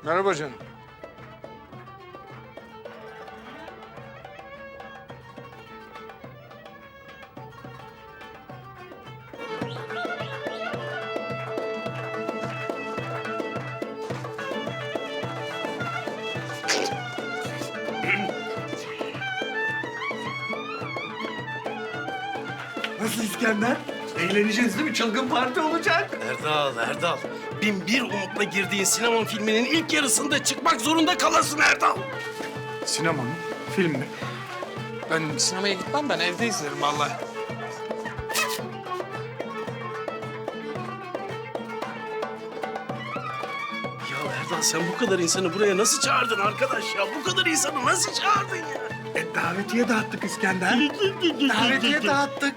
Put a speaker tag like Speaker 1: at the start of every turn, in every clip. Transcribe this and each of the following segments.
Speaker 1: Merhaba canım.
Speaker 2: Nasıl İskender? Eğleneceğiz değil mi? Çılgın parti olacak.
Speaker 3: Erdal. Bin bir umutla girdiğin sinema filminin ilk yarısında çıkmak zorunda kalasın Erdal.
Speaker 1: Sinema mı? Film mi? Ben sinemaya gitmem, ben evde izlerim vallahi.
Speaker 3: Ya Erdal sen bu kadar insanı buraya nasıl çağırdın arkadaş ya? Bu kadar insanı nasıl çağırdın ya?
Speaker 2: Davetiye dağıttık İskender. Davetiye dağıttık.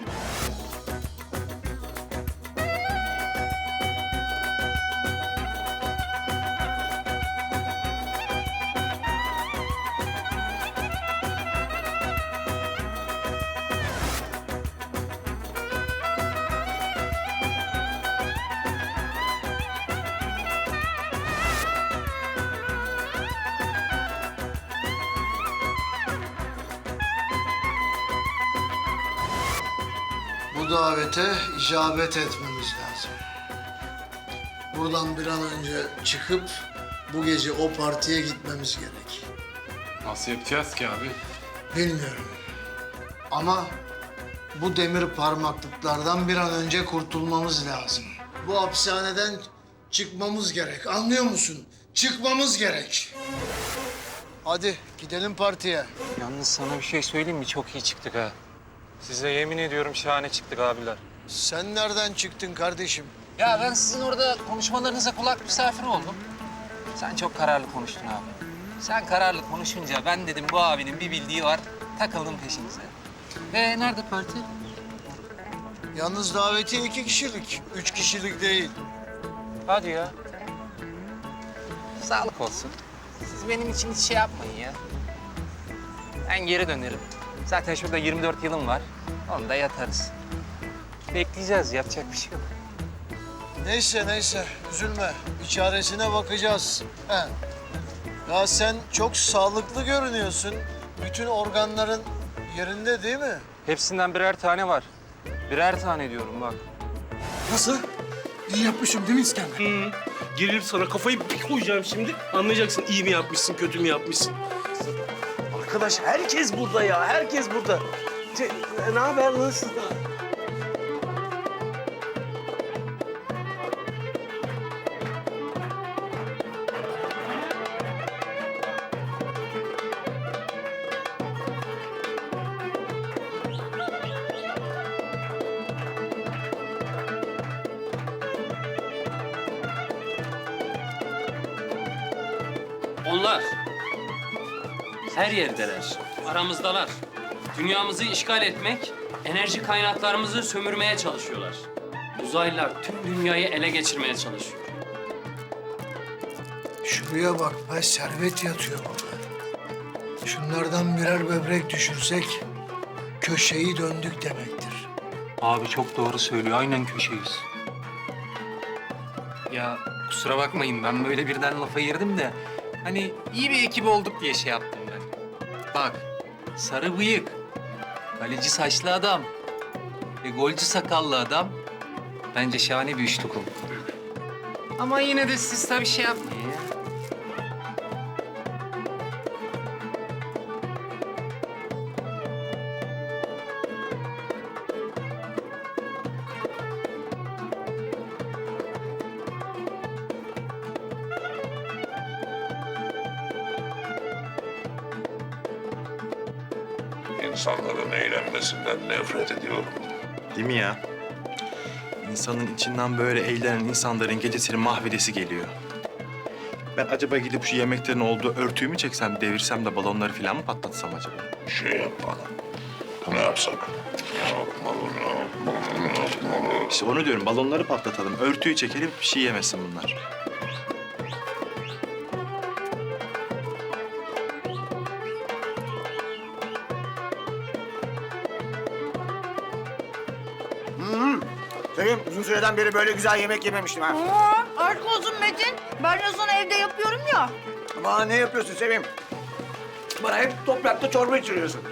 Speaker 4: Bu davete icabet etmemiz lazım. Buradan bir an önce çıkıp bu gece o partiye gitmemiz gerek.
Speaker 1: Nasıl yapacağız ki abi?
Speaker 4: Bilmiyorum. Ama bu demir parmaklıklardan bir an önce kurtulmamız lazım. Bu hapishaneden çıkmamız gerek. Anlıyor musun? Çıkmamız gerek. Hadi gidelim partiye.
Speaker 5: Yalnız sana bir şey söyleyeyim mi? Çok iyi çıktık ha. Size yemin ediyorum şahane çıktık abiler.
Speaker 4: Sen nereden çıktın kardeşim?
Speaker 5: Ya ben sizin orada konuşmalarınıza kulak misafiri oldum. Sen çok kararlı konuştun abi. Sen kararlı konuşunca ben dedim bu abinin bir bildiği var. Takıldım peşinize. Nerede parti?
Speaker 4: Yalnız davetiye 2 kişilik, 3 kişilik değil.
Speaker 5: Hadi ya. Sağlık olsun. Siz benim için hiç şey yapmayın ya. Ben geri dönerim. Zaten şurada 24 yılım var. Onda yatarız. Bekleyeceğiz, yapacak bir şey yok.
Speaker 4: Neyse, üzülme. Bir çaresine bakacağız. He. Ya sen çok sağlıklı görünüyorsun. Bütün organların yerinde değil mi?
Speaker 5: Hepsinden birer tane var. Birer tane diyorum bak.
Speaker 2: Nasıl? İyi yapmışım değil mi İskender?
Speaker 3: Gerilip sana kafayı bir koyacağım şimdi. Anlayacaksın iyi mi yapmışsın, kötü mü yapmışsın. Arkadaş herkes burada ya, herkes burada. Ne haber, nasıl?
Speaker 6: Onlar her yerdeler, aramızdalar. Dünyamızı işgal etmek, enerji kaynaklarımızı sömürmeye çalışıyorlar. Uzaylılar tüm dünyayı ele geçirmeye çalışıyor.
Speaker 4: Şuraya bak be, servet yatıyor burada. Şunlardan birer böbrek düşürsek köşeyi döndük demektir.
Speaker 5: Abi çok doğru söylüyor. Aynen köşeyiz. Ya kusura bakmayın ben böyle birden lafa girdim de hani iyi bir ekip olduk diye şey yaptım ben. Bak sarı bıyık, kaleci saçlı adam ve golcü sakallı adam bence şahane bir üçlük oldu. Ama yine de siz tabii şey yapmayın ya.
Speaker 7: İnsanların eğlenmesinden nefret ediyorum.
Speaker 8: Değil mi ya? İnsanın içinden böyle eğlenen insanların gecesini mahvedesi geliyor. Ben acaba gidip şu yemeklerin olduğu örtüyü mü çeksem, devirsem de balonları falan mı patlatsam acaba?
Speaker 7: Şey yap bana. Ne yapsak? Ne yapmalı?
Speaker 8: İşte onu diyorum, balonları patlatalım, örtüyü çekelim, bir şey yemesin bunlar.
Speaker 2: Sevim, uzun süreden beri böyle güzel yemek yememiştim ha.
Speaker 9: Aşk olsun Metin. Ben de sana evde yapıyorum ya.
Speaker 2: Ama ne yapıyorsun Sevim? Bana hep toprakta çorba içiriyorsun.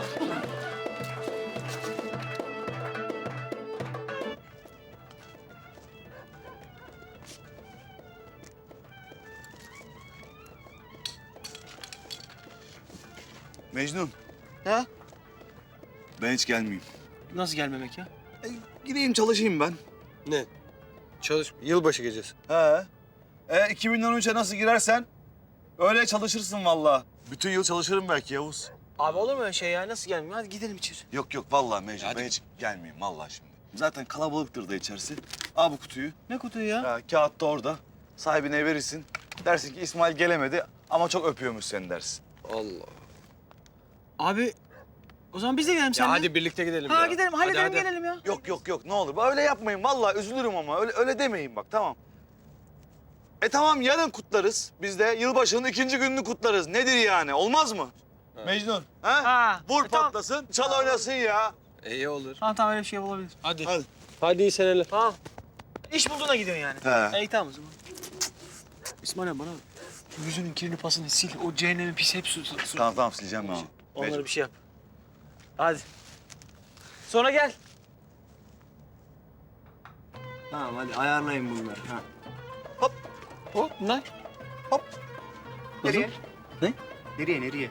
Speaker 10: Mecnun.
Speaker 3: Ha?
Speaker 10: Ben hiç gelmeyeyim.
Speaker 3: Nasıl gelmemek ya?
Speaker 10: Gideyim çalışayım ben.
Speaker 3: Ne? Çalış. Yılbaşı gecesi.
Speaker 10: He. 2013'e nasıl girersen öyle çalışırsın vallahi. Bütün yıl çalışırım belki Yavuz.
Speaker 3: Abi olur mu öyle şey ya? Nasıl gelmiyor? Hadi gidelim içeri.
Speaker 10: Yok yok vallahi Mecnun ben hiç gelmeyeyim vallahi şimdi. Zaten kalabalıktır da içerisi. Al bu kutuyu.
Speaker 3: Ne kutuyu ya?
Speaker 10: Ha, kağıt da orada. Sahibine verirsin. Dersin ki İsmail gelemedi ama çok öpüyormuş seni dersin.
Speaker 3: Allah. Abi o zaman biz de gidelim seninle.
Speaker 2: Hadi birlikte gidelim
Speaker 3: Ha
Speaker 2: ya.
Speaker 3: gidelim, halledelim
Speaker 2: Hadi.
Speaker 3: gelelim ya.
Speaker 10: Yok yok yok ne olur öyle yapmayın vallahi üzülürüm ama öyle demeyin bak tamam. Tamam yarın kutlarız. Biz de yılbaşının 2. gününü kutlarız. Nedir yani olmaz mı? Mecnun. Ha?
Speaker 3: Ha.
Speaker 10: Vur
Speaker 3: Tamam.
Speaker 10: patlasın, çal oynasın ya.
Speaker 2: İyi olur.
Speaker 3: Tamam öyle bir şey olabilir.
Speaker 2: Hadi.
Speaker 10: Hadi.
Speaker 3: Hadi iyi seneler. Tamam. İş bulduğuna gidiyorsun yani.
Speaker 10: He.
Speaker 3: İyi tamam o zaman. İsmail abi bana yüzünün kirini pasını sil. O cehennemin pis hep su.
Speaker 10: Tamam sileceğim ben onu.
Speaker 3: Onlara bir şey yap. Hadi. Sonra gel. Tamam hadi ayarlayın bunları. Ha.
Speaker 10: Hop.
Speaker 3: Hop bunlar.
Speaker 10: Hop.
Speaker 3: Nereye? Ne?
Speaker 11: Nereye?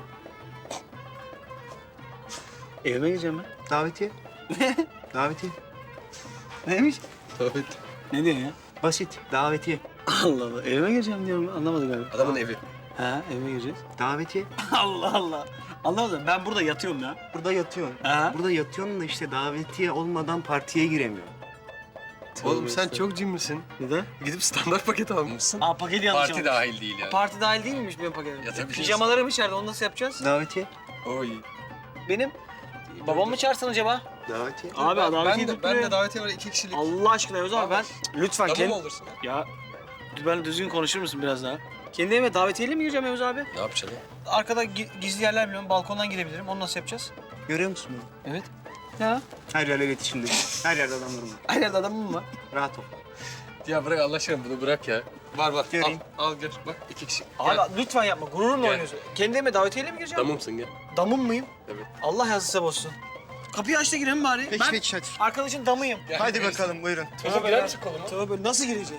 Speaker 3: Evime gireceğim ben.
Speaker 11: Davetiye. Davetiye.
Speaker 3: Neymiş?
Speaker 2: Evet.
Speaker 3: Ne diyorsun ya?
Speaker 11: Basit. Davetiye.
Speaker 3: Allah Allah. Evime gireceğim diyorum. Anlamadım galiba.
Speaker 2: Adamın evi.
Speaker 3: Ha evime gireceğiz.
Speaker 11: Davetiye.
Speaker 3: Allah Allah. Anlamadım. Ben burada yatıyorum ya.
Speaker 11: Burada yatıyorsun.
Speaker 3: Ha?
Speaker 11: Burada yatıyorsun da işte davetiye olmadan partiye giremiyor.
Speaker 2: Oğlum sen çok cimrisin.
Speaker 3: Neden?
Speaker 2: Gidip standart paket almışsın.
Speaker 3: Aa paketi yanlış
Speaker 1: Parti
Speaker 3: almışım.
Speaker 1: dahil değil yani.
Speaker 3: Parti dahil değil miymiş benim paketim?
Speaker 1: Yatabilirsin.
Speaker 3: Pijamalarım içeride. Onu nasıl yapacağız?
Speaker 11: Davetiye.
Speaker 2: Oy.
Speaker 3: Benim. Babam mı çağırsın acaba?
Speaker 11: Davetiye.
Speaker 3: Abi
Speaker 2: Ben de davetiye var 2 kişilik.
Speaker 3: Allah aşkına Yavuz abi ben lütfen
Speaker 2: Tamam
Speaker 3: kendi...
Speaker 2: olursun.
Speaker 3: Ya ben düzgün konuşur musun biraz daha? Kendi evime davetiyeyle mi gireceğim Yavuz abi?
Speaker 2: Ne yapacaksın?
Speaker 3: Arkada gizli yerler biliyorum. Balkondan girebilirim. Onu nasıl yapacağız?
Speaker 11: Görüyor musun bunu?
Speaker 3: Evet. Ya.
Speaker 11: Her yerle iletişimde. Her yerde adamlarım var.
Speaker 3: Her yerde adamım mı var?
Speaker 11: Rahat ol.
Speaker 2: Ya bırak Allah aşkına bunu bırak ya. Var.
Speaker 11: Göreyim.
Speaker 2: Al gör. Bak 2 kişi.
Speaker 3: Abi
Speaker 2: Gel.
Speaker 3: lütfen yapma. Gururumla
Speaker 2: Gel.
Speaker 3: oynuyorsun. Kendi evime davetiyeyle mi gireceğim?
Speaker 2: Damımsın gel.
Speaker 3: Damım mıyım?
Speaker 2: Evet.
Speaker 3: Allah yazısı bozsun. Kapıyı aç da girelim bari.
Speaker 11: Peki
Speaker 3: ben
Speaker 11: peki hadi.
Speaker 3: arkadaşın damıyım.
Speaker 11: Hadi bakalım buyurun.
Speaker 3: Tövbe
Speaker 2: girer
Speaker 3: ya.
Speaker 2: misin koluma?
Speaker 3: Tövbe nasıl gireceğim?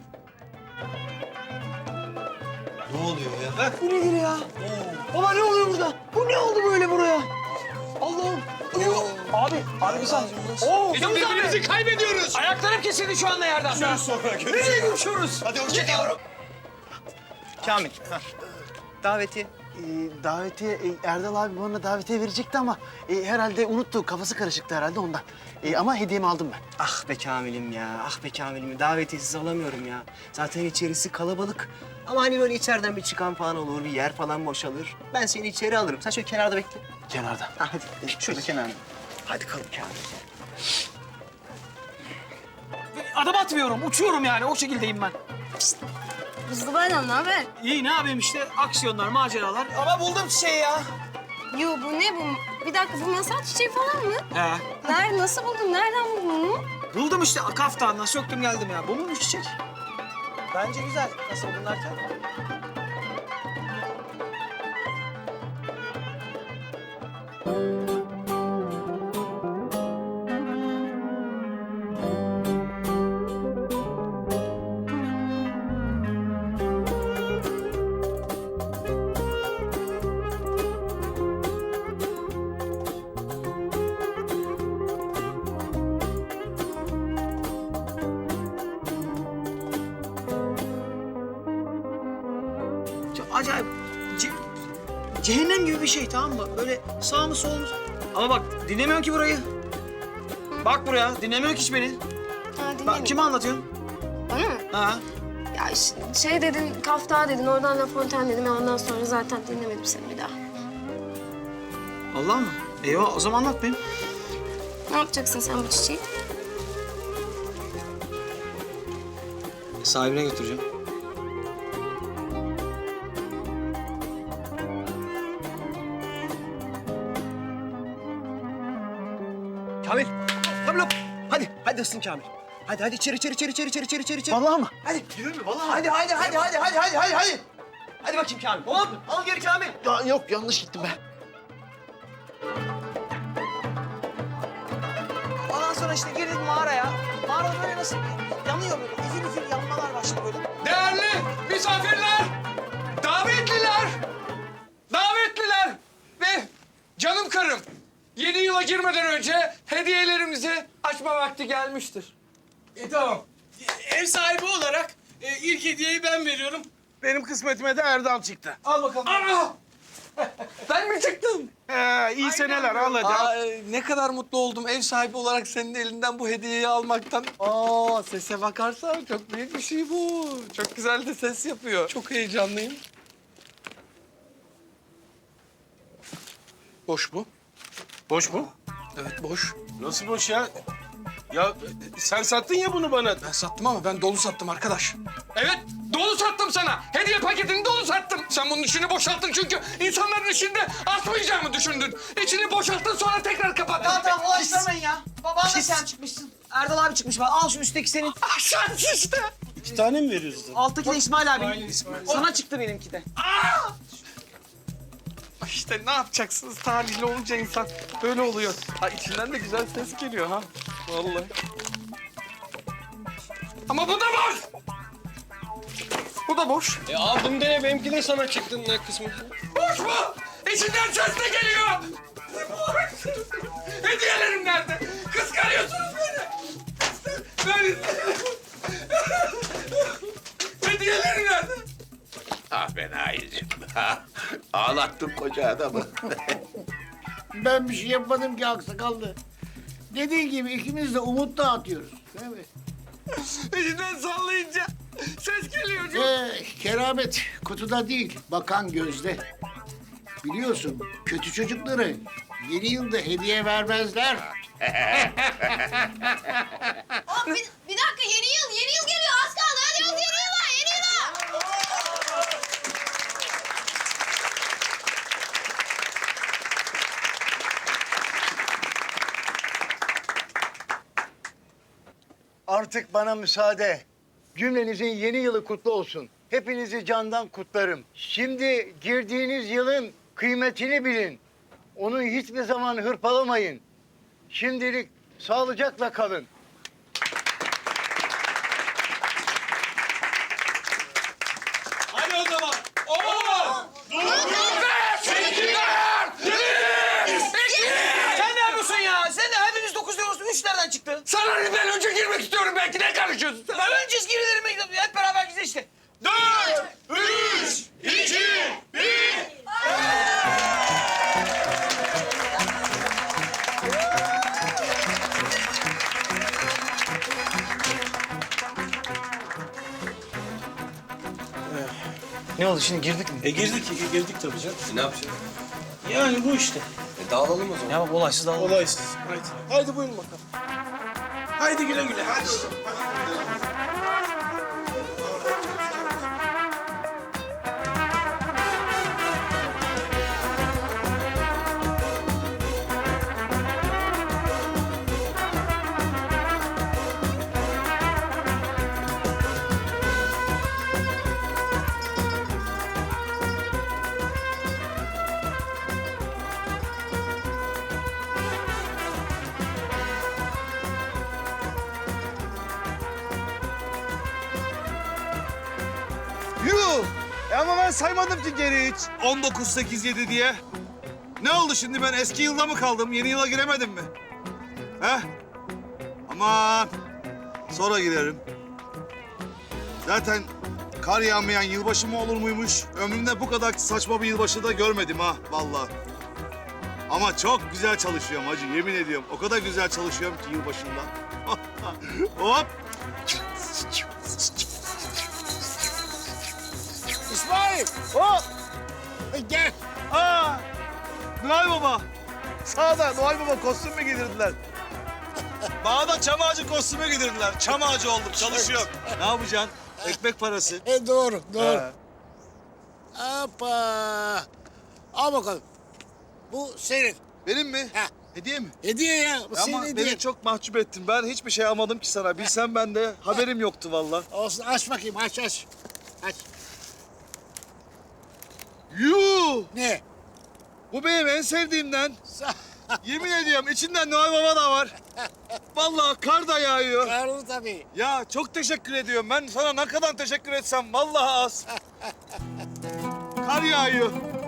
Speaker 11: Ne oluyor ya?
Speaker 3: Bu nedir ya? Baba ne oluyor burada? Bu ne oldu böyle buraya? Allah'ım. Abi bir saniye. Oo,
Speaker 2: Birbirimizi kaybediyoruz.
Speaker 3: ayaklarım kesildi şu anda yerden. Nereye görüşüyoruz?
Speaker 11: Hadi hoşçakalın. Kamil. Davetiye.
Speaker 12: Davetiye Erdal abi bana davetiye verecekti ama herhalde unuttu. Kafası karışıktı herhalde ondan. Ama hediyemi aldım ben.
Speaker 11: Ah be Kamil'im ya. Ah be Kamil'im. Davetiyesiz alamıyorum ya. Zaten içerisi kalabalık. Ama hani böyle içeriden bir çıkan falan olur, bir yer falan boşalır. Ben seni içeri alırım. Sen şöyle kenarda bekle.
Speaker 12: Kenarda.
Speaker 11: Ha, hadi. Şöyle kenarda. Hadi kalın Kamil.
Speaker 3: Adım atmıyorum, uçuyorum yani. O şekildeyim ben.
Speaker 9: Hızlı bayram ne haber?
Speaker 3: İyi ne yapayım işte? Aksiyonlar, maceralar. Ama buldum çiçeği ya.
Speaker 9: Yo bu ne bu? Bir dakika bu masal çiçeği falan mı?
Speaker 3: He.
Speaker 9: Nerede nasıl buldun? Nereden buldun bunu?
Speaker 3: Buldum işte kaftanla söktüm geldim ya. Bu muymuş çiçek? Bence güzel. Nasıl buldun derken? Çok acayip. Cehennem gibi bir şey tamam mı? Böyle sağ mı sol mu? Ama bak dinlemiyorsun ki burayı. Bak buraya dinlemiyorsun ki hiç beni.
Speaker 9: Ha
Speaker 3: Bak
Speaker 9: dinlemedim.
Speaker 3: kime anlatıyorsun?
Speaker 9: Bana mı?
Speaker 3: Ha?
Speaker 9: Ya şey dedin, kafta dedin, oradan La Fontaine dedim. Ondan sonra zaten dinlemedim seni bir daha.
Speaker 3: Allah mı? Eyvah o zaman anlat benim.
Speaker 9: Ne yapacaksın sen bu çiçeği?
Speaker 3: Sahibine götüreceğim.
Speaker 11: Kamil. Kamil hop. Hadi ısın Kamil. Hadi içeri.
Speaker 12: Vallahi mı?
Speaker 11: Hadi. Yürü mü vallahi? Hadi. Hadi bakayım Kamil. Hop al geri Kamil.
Speaker 12: Ya, yok yanlış gittim ben.
Speaker 11: Ondan sonra işte girdik mağaraya. Mağara böyle nasıl yanıyor böyle. Üfür yanmalar başladı böyle.
Speaker 1: Değerli misafirler, davetliler ve canım karım. Yeni yıla girmeden önce hediyelerimizi açma vakti gelmiştir.
Speaker 3: Tamam. Ev sahibi olarak ilk hediyeyi ben veriyorum. Benim kısmetime de Erdal çıktı. Al bakalım.
Speaker 1: Aa! Ben mi çıktım?
Speaker 3: İyi seneler al hadi.
Speaker 1: Aa, ne kadar mutlu oldum ev sahibi olarak senin elinden bu hediyeyi almaktan. Aa, sese bakarsan çok büyük bir şey bu. Çok güzel de ses yapıyor. Çok heyecanlıyım. Boş bu.
Speaker 3: Boş mu?
Speaker 1: Evet boş.
Speaker 3: Nasıl boş ya? Ya sen sattın ya bunu bana.
Speaker 1: Ben sattım ama ben dolu sattım arkadaş. Evet, dolu sattım sana. Hediye paketini dolu sattım. Sen bunun içini boşalttın çünkü insanların içinde atmayacağımı düşündün. İçini boşalttın sonra tekrar kapattın.
Speaker 11: Tamam ulaştırmayın ya. Baban da sen çıkmışsın. Erdal abi çıkmış bak. Al şu üstteki senin.
Speaker 1: Ah, şans işte.
Speaker 3: 2 tane mi veriyoruz?
Speaker 11: Alttaki de İsmail abi. Sana çıktı benimki de.
Speaker 1: İşte ne yapacaksınız? Talihli olunca insan böyle oluyor. Ha içinden de güzel ses geliyor ha. Vallahi. Ama bu da boş. Bu da boş.
Speaker 3: Aldım dene benimki de sana çıktı ne kısmı.
Speaker 1: Boş mu? İçinden ses de geliyor. Boş. Hediyelerim nerede? Kıskanıyorsunuz beni. Böyle... Hediyelerim nerede?
Speaker 7: Ah ben Nail'cim. Ağlattın koca adamı.
Speaker 2: Ben bir şey yapmadım ki aksakallı. Dediğin gibi ikimiz de umut dağıtıyoruz. Değil mi?
Speaker 1: İçinden sallayınca ses geliyor.
Speaker 2: Keramet kutuda değil, bakan gözde. Biliyorsun kötü çocukları yeni yılda hediye vermezler.
Speaker 9: Bir dakika yeni yıl geliyor az kaldı. Hadi yeni yıla.
Speaker 12: Artık bana müsaade. Cümlenizin yeni yılı kutlu olsun. Hepinizi candan kutlarım. Şimdi girdiğiniz yılın kıymetini bilin. Onu hiçbir zaman hırpalamayın. Şimdilik sağlıcakla kalın.
Speaker 1: Hadi o zaman.
Speaker 11: Sen ne yapıyorsun ya? Sen de hepimiz 9 diyoruz. 3 nereden çıktı?
Speaker 1: Sana ne, ben önce girmek istiyorum belki, ne karışıyorsun sen?
Speaker 11: Ben önce girilerime gidelim. Hep beraber gidelim işte.
Speaker 1: 4, 3, 2, 1.
Speaker 12: Ne oldu şimdi girdik mi?
Speaker 3: Girdik tabii canım. Ne yapacağız? Yani bu işte.
Speaker 11: Dağılalım o zaman. Ya bak olaysız dağılalım.
Speaker 3: Olaysız. Haydi buyurun bakalım. Haydi güle güle. Hadi.
Speaker 10: Yuh! Ama ben saymadım ki geri hiç. 19, 8, 7 diye. Ne oldu şimdi, ben eski yılda mı kaldım? Yeni yıla giremedim mi? He? Aman! Sonra girerim. Zaten kar yağmayan yılbaşı mı olur muymuş? Ömrümde bu kadar saçma bir yılbaşı da görmedim ha vallahi. Ama çok güzel çalışıyorum hacı, yemin ediyorum. O kadar güzel çalışıyorum ki yılbaşında. Hop! İsmail! Hop! Gel! Aa! Noel Baba! Sağda Noel Baba kostüm mü giydirdiler? Bana da çam ağacı kostümü giydirdiler. Çam ağacı oldum, çalışıyorum. Ne yapacaksın? Ekmek parası.
Speaker 2: Doğru.
Speaker 10: He.
Speaker 2: Hoppa. Al bakalım. Bu senin.
Speaker 10: Benim mi?
Speaker 2: Heh.
Speaker 10: Hediye mi?
Speaker 2: Hediye ya. Bu senin
Speaker 10: Ama
Speaker 2: hediyen.
Speaker 10: beni çok mahcup ettin. Ben hiçbir şey almadım ki sana. Bilsem ben de haberim yoktu vallahi.
Speaker 2: Olsun aç bakayım aç. Aç.
Speaker 10: Yuh!
Speaker 2: Ne?
Speaker 10: Bu benim en sevdiğimden. Yemin ediyorum içinden Noel Baba da var. Vallahi kar da yağıyor.
Speaker 2: Karlı tabii.
Speaker 10: Ya çok teşekkür ediyorum. Ben sana ne kadar teşekkür etsem vallahi az. Kar yağıyor.